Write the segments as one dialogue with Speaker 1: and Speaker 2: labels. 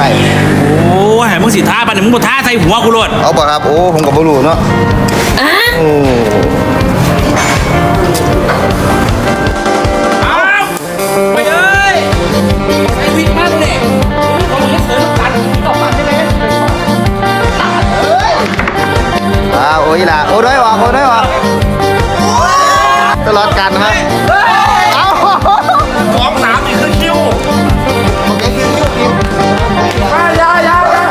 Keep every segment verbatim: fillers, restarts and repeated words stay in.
Speaker 1: ช่
Speaker 2: โอ้ยมึงสิท้าปะเนี่ยมึงบ่ท้าใส่หัวกูโลด
Speaker 1: เอาป่ะครับโอ้ผมกับบ่รู้เนาะโอ้
Speaker 2: เอาไปเอ้ยใส่วิกมันเนี่ยต้องเฮ็ดเสือกันต่อมาใช่ไหม
Speaker 1: อ้าวโอ้ยล่ะโอ้ด้วยวะโอ้ด้วยวะตลอดกันครับเอ้า
Speaker 2: สองสามนี่คือคิว
Speaker 1: โอเคคิวคิวคิวยาวยาวยาว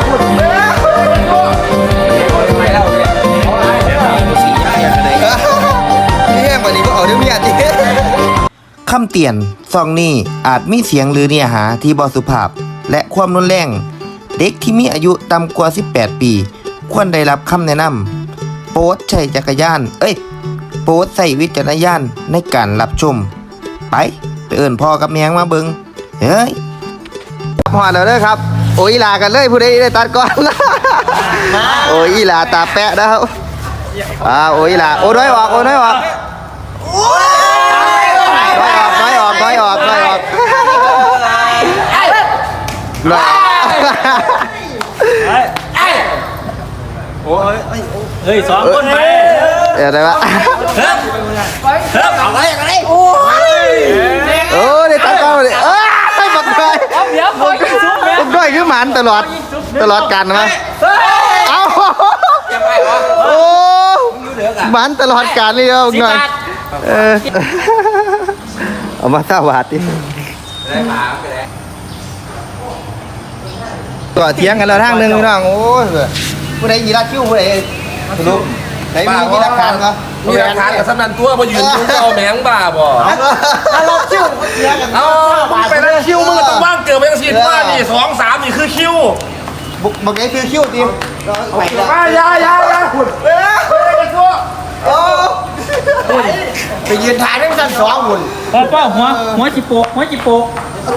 Speaker 1: นี่แห้งกว่านี้ก็เอาเดี๋ยวมีอาทิตย์คำเตือนซองนี้อาจมีเสียงหรือเนื้อหาที่บ่สุภาพและความรุนแรงเด็กที่มีอายุต่ำกว่าสิบแปดปีควรได้รับคำแนะนำโปรดใช้จักรยานเอ้ยโปรดใส่วิจารณญาณในการรับชมไปไปเอิ้นพ่อกับแม่มาเบิ่งเฮ้ยพอแล้วเด้อครับโอ้ยลากันเลยผู้ใดได้ตัดก่อนโอ้ยลาตาแปะนะครับอ่าโอ้ยลาโอ้น้อยออกโอ้น้อยออกน้อยออกน้อยออกน้อยออกน้อยออกน้อย
Speaker 2: โอ้ยเฮ้ยสองคนไป
Speaker 1: เดี๋ยวได้ปะ
Speaker 2: เฮ้ยเฮ้ยเอาไว้เอาไว้โอ้ย
Speaker 1: โอ้ยได้ตัดก่อนเลยเอ้ยบักด้อยบักด้อยคือหมันตลอดตลอดกันมั้ยเอ้าโอ้หมันตลอดการเลยเอาหน่อยเออเอามาสวัสดีตัวเทียงกันแล้วทางหนึ่งพี่น้องโอ้ยผู้ใดยีราคิ้วผู้ใดสรุปไหนมีมีหลักฐานเหรอ
Speaker 3: มีหลักฐานกับสำนันตัวมายืนยุ่งเอาแมงบ้าบ่
Speaker 1: ถ้าเราคิ้ว
Speaker 3: เอาไปนั่นคิวมึงต้องว่างเกิดไปยังสิว่านี่สองสามนี่คือคิว
Speaker 1: บุกบอกไอ้คือคิ้วที
Speaker 3: ไปยายายาขุดเอ้ยไปตัว
Speaker 1: โอ้ไปยืนถ่ายได้สั้นสองหุ่น
Speaker 2: ป้าป้าหัวหัวจิโปกหัวจิโปก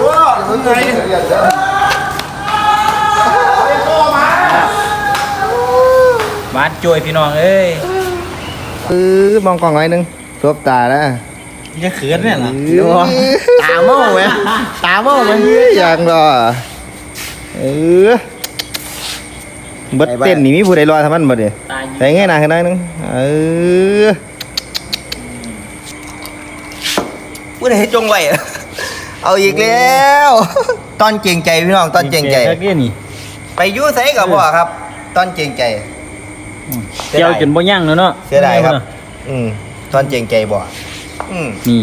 Speaker 2: บาดจ่วยพี่น้องเอ้ย
Speaker 1: เออมองกล่องหน่อยนึงสบตาแล้ว
Speaker 2: จะเขินเนี่ยเหรอ
Speaker 1: ตาเมาไหมตาเมาไหมยังรอเออบัดเต้นนี่มีผู้ใดรอทำมันบัดดิแต่ไงนะขึ้นได้นึงเออผู้ใดจงไว้เอาอีกแล้วตอนเก่งใจพี่น้องตอนเก่งใจไปยุ่งใส่กับพ่อครับตอนเก่งใจ
Speaker 2: เจียวจนบ่ยั่งแล้วเนาะ
Speaker 1: เสียดายครับอืมตอนเก่งใจบ่อืม
Speaker 2: นี่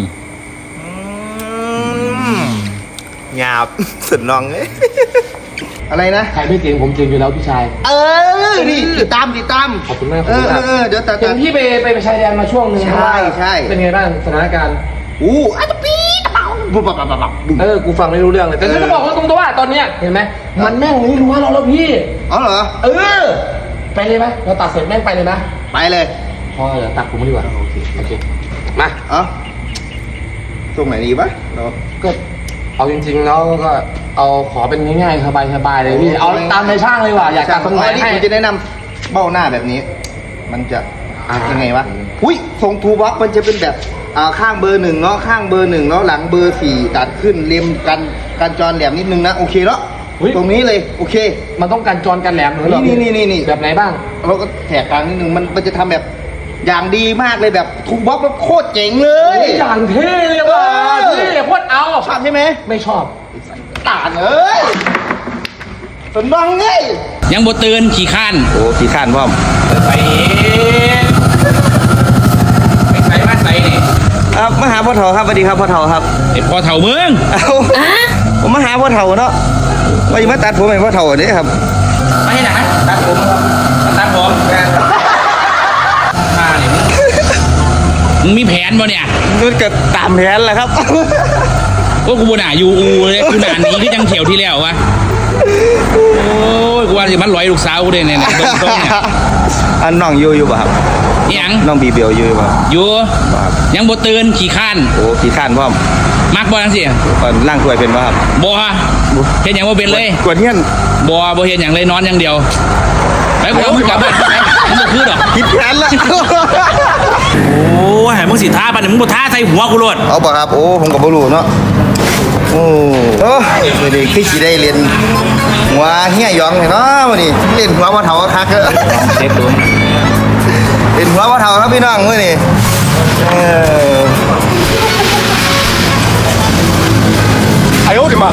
Speaker 1: หยาบสุดน้องเลยอะไรนะ
Speaker 3: ใครไม่เก่งผมเก่งอยู่แล้วพี่ชาย
Speaker 1: เออนี่ติดตามติดตาม
Speaker 3: ขอบคุณมาก
Speaker 1: เออเออเดี๋ยวตัด
Speaker 3: เห็นพี่ไปไปไปชายแดนมาช่วงนึง
Speaker 1: ใช่ใช่
Speaker 3: เป็นไงบ้างสถานการณ์
Speaker 1: อู้อาจจะปี๊ดเปล่าบุบบับบับบับ
Speaker 3: เออกูฟังไม่รู้เรื่องเลยแต่จะบอกว่าตรงตัวว่าตอนเนี้ยเห็นไหมมันแม่งไม่รู้ว่าเราแล้วพี่
Speaker 1: อ๋อเหรอ
Speaker 3: เออไปเลยไหมเราตัดเสร็จแม่งไปเลยนะ
Speaker 1: ไปเลย
Speaker 3: พอเดี๋ยวตัดผมดีกว่าโอเคโอเคมา
Speaker 1: เอ้าตรงไหนดีปะเรา
Speaker 3: ก็เอาจริงๆแล้วก็เอาขอเป็นง่ายๆสบายๆเลยพี่เอาตามในช่างเลยว่ะอยากตัดตรงไหนให้
Speaker 1: ผมจะแนะนำเบ้าหน้าแบบนี้มันจะยังไงวะอุ้ยทรงทูบ็อกมันจะเป็นแบบอ่าข้างเบอร์หนึ่งเนาะข้างเบอร์หนึ่งเนาะหลังเบอร์สี่ตัดขึ้นเล็มกันกันจรแหลมนิดนึงนะโอเคเนาะตรงนี้เลยโอเค
Speaker 3: มันต้องการจรกันแหลมหรือ
Speaker 1: นี่นี่นี่นี่
Speaker 3: แบบไหนบ้าง
Speaker 1: เราก็แถกกลางนิดนึงมันมันจะทำแบบอย่างดีมากเลยแบบทูบ็อกแบบโคตรเจ๋งเลย
Speaker 3: อย่างเท่เลยว่ะพี่โคตรเอา
Speaker 1: ชอบใช่ไหม
Speaker 3: ไม่ชอบ
Speaker 1: ตาเอ้ยสนบังไง
Speaker 2: ยังบ่ตื่นขี่ข้าน
Speaker 1: โอ้ขี่ข้านพ่อม
Speaker 2: ไปไปใส่มาใส่นี่
Speaker 1: ครับมาหาพ่อเฒ่าครับสวัสดีครับพ่อเฒ่าครับ
Speaker 2: ไอพ่อเฒ่าเมือง
Speaker 1: ผมมาหาพ่อเฒ่าเนาะว่าจะมาตัดผมให้พ่อเฒ่าเนี่ยครับ
Speaker 2: ไม่ให้หนังตัดผมตัดผมข้าเนี่ยมึงมีแผนบ่เนี่ย
Speaker 1: ก็เกิดตามแผนแหละครับ
Speaker 2: โอ้กูบ่น่าอยู่อูเลยกูน่าหนีที่จังเขียวที่แล้ววะโอ้ยกูว่าจะมันลอยลูกสาวกูได้เนี่ยตรงๆเนี่ย
Speaker 1: อันน้องอยู่อยู่ป่ะครับ
Speaker 2: ยัง
Speaker 1: น้องบีเบลอยู่ป่ะ
Speaker 2: อยู่ยังบ่ตื่นขี่ข้าน
Speaker 1: โอ้ขี่ข้านพ่อม
Speaker 2: มักบ่จังซี่
Speaker 1: ก่อนล่างถ้วยเป็นป่ะครับ
Speaker 2: บ่เฮ็ดหยังบ่เป็นเลย
Speaker 1: กวนเฮียน
Speaker 2: บ่บ่เฮ็ดหยังเลยนอนอย่างเดียวไปกูมึงกลับบ้านมึงบ่คือดอก
Speaker 1: ผิดแผนละ
Speaker 2: โอ้ยมึงสิท้าปะเนี่ยมึงบ่ท้าใส่หัวกูโลด
Speaker 1: เอาป่ะครับโอ้ผมก็บ่รู้เนาะโอ้โอ้มื้อนี้คือสิได้เรียนหัวเฮียหยองเลยเนาะมื้อนี้เล่นหัวบ่เฒ่าคักเด้อ
Speaker 2: เช็คดู
Speaker 1: เล่นหัวบ่เฒ่าครับพี่น้องมื้อนี้เออ
Speaker 3: ไอ้โอ้ดิมา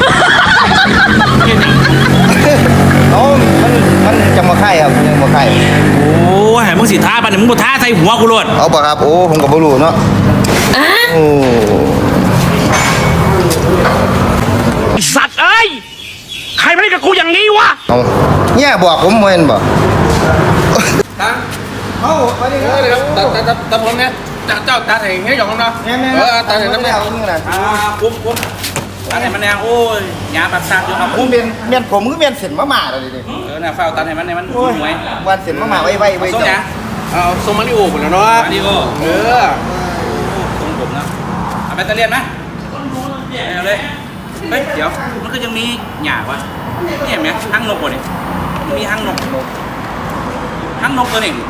Speaker 1: เอ้ามันมันจังบ่ไข่ครับมันยังบ่ไข่
Speaker 2: โอ้ยมึงสิท้าปะเนี่ยมึงบ่ท้าใส่หัวกูโลด
Speaker 1: เอาบ่ครับโอ้ผมก็บ่รู้เนาะโอ้
Speaker 2: ไอ้สัตว์เอ้ยใครมาเล่นกับกูอย่างนี้วะ
Speaker 1: เอาเนี่ยบอกผมบ่เห็นบ่
Speaker 3: ฮะ
Speaker 1: เอ้าไปดิ
Speaker 3: เออครับตัดตัดตัดตัดผมเนี่ยเจ้าเจ้าตาแห่งให้หยองน้ำเนาะ
Speaker 1: แม่ๆ
Speaker 3: เออตาแห่งน้ำเนี่ย
Speaker 1: เอานี่ล่ะ
Speaker 2: อ่าคุ้มคุ้มตัดให้มันแนงโอ้ยหยาปัดซากอยู่ครับ
Speaker 1: ผ
Speaker 2: คุ้
Speaker 1: ม
Speaker 2: ม
Speaker 1: เป็นเมียนผมคือเมียนเส้นมะม่าแล้วดิ
Speaker 2: เออน่ะเฝ้าตัดให้มันให้มัน
Speaker 1: โอ้ย
Speaker 2: หวย
Speaker 1: วันเส้นมะม่าไว้ไว้ไว้
Speaker 2: ส่งห
Speaker 1: เจ้า
Speaker 2: ยัง
Speaker 3: เอาทรงมาริโอหมดแล้วเนาะ
Speaker 2: มาดิโอ
Speaker 3: เออ
Speaker 2: ส่งผมนะเอาแบตเตอรี่ไหมเอาเลยเฮ้ยเดี๋ยวมันก็ยังมีหยาวะนี่เห็นไหมห้างนกวะเนี่ยมันมีห้างนกห้างนกตัวหนึ่ง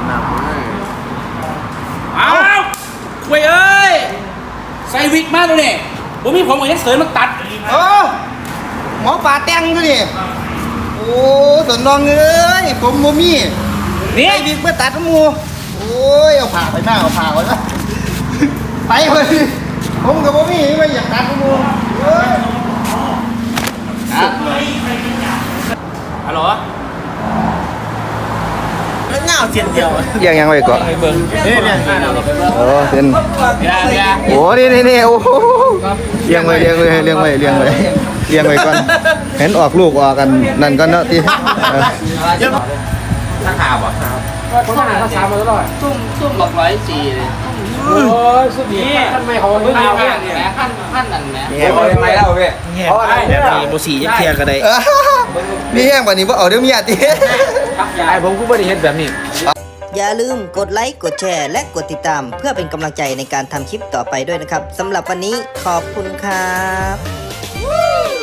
Speaker 2: อ้าวเว้ยเอ้ยใส่วิกมากเลยเนี่ยผมมีผมกับยักษ์เสริมมันตัด
Speaker 1: เออหมอปลาแต่งอยู่นี่โอ้สนน้องเอ้ยผมบ่มี
Speaker 2: นี่
Speaker 1: ไอ้บิ๊กมาตัดน้ำมูโอ้ยเอาผ่าไปหน้าเอาผ่าไว้นะไปเลยผมกับบ่มีไม่อยากตัดน้ำมูเอ้ย
Speaker 2: ฮัลโหล
Speaker 3: เงาเสียนเดียว
Speaker 1: เรียงยังไว้ก่อน
Speaker 2: เบิ้งนี่เนี่ย
Speaker 1: โอ้เป็น
Speaker 2: เดี๋ยวเดี๋ยว
Speaker 1: โอ้นี่นี่นี่โอ้โหเรียงไว้เรียงไว้เรียงไว้เรียงไว้เรียงไว้ก่อนเห็นออกลูกออกกันนั่นก็เนาะที่เออ
Speaker 2: ถ้าข่าวอ่ะ
Speaker 3: คนหาภาษามาตลอด
Speaker 2: ซุ่มซุ่มหลอกร้อยจีเลย
Speaker 3: โอ้ยสุดยอดท่านไม่เขาเพิ่งเอาเนี่ย
Speaker 2: ขั้นขั้นนั่นแหละ
Speaker 1: นี่แห้ง
Speaker 3: ทำไมเล่าพี่เพราะอะไรเนี่ย
Speaker 2: มีโบสียังเทียกันได้
Speaker 1: นี่แห้งกว่านี้ว่าเอาเดี๋ยวมีอาทิ
Speaker 3: ไอ้ผมก็ไม่ได้เห็นแบบนี้
Speaker 4: อย่าลืมกดไลค์กดแชร์และกดติดตาม เพื่อเป็นกำลังใจในการทำคลิปต่อไปด้วยนะครับสำหรับวันนี้ขอบคุณครับ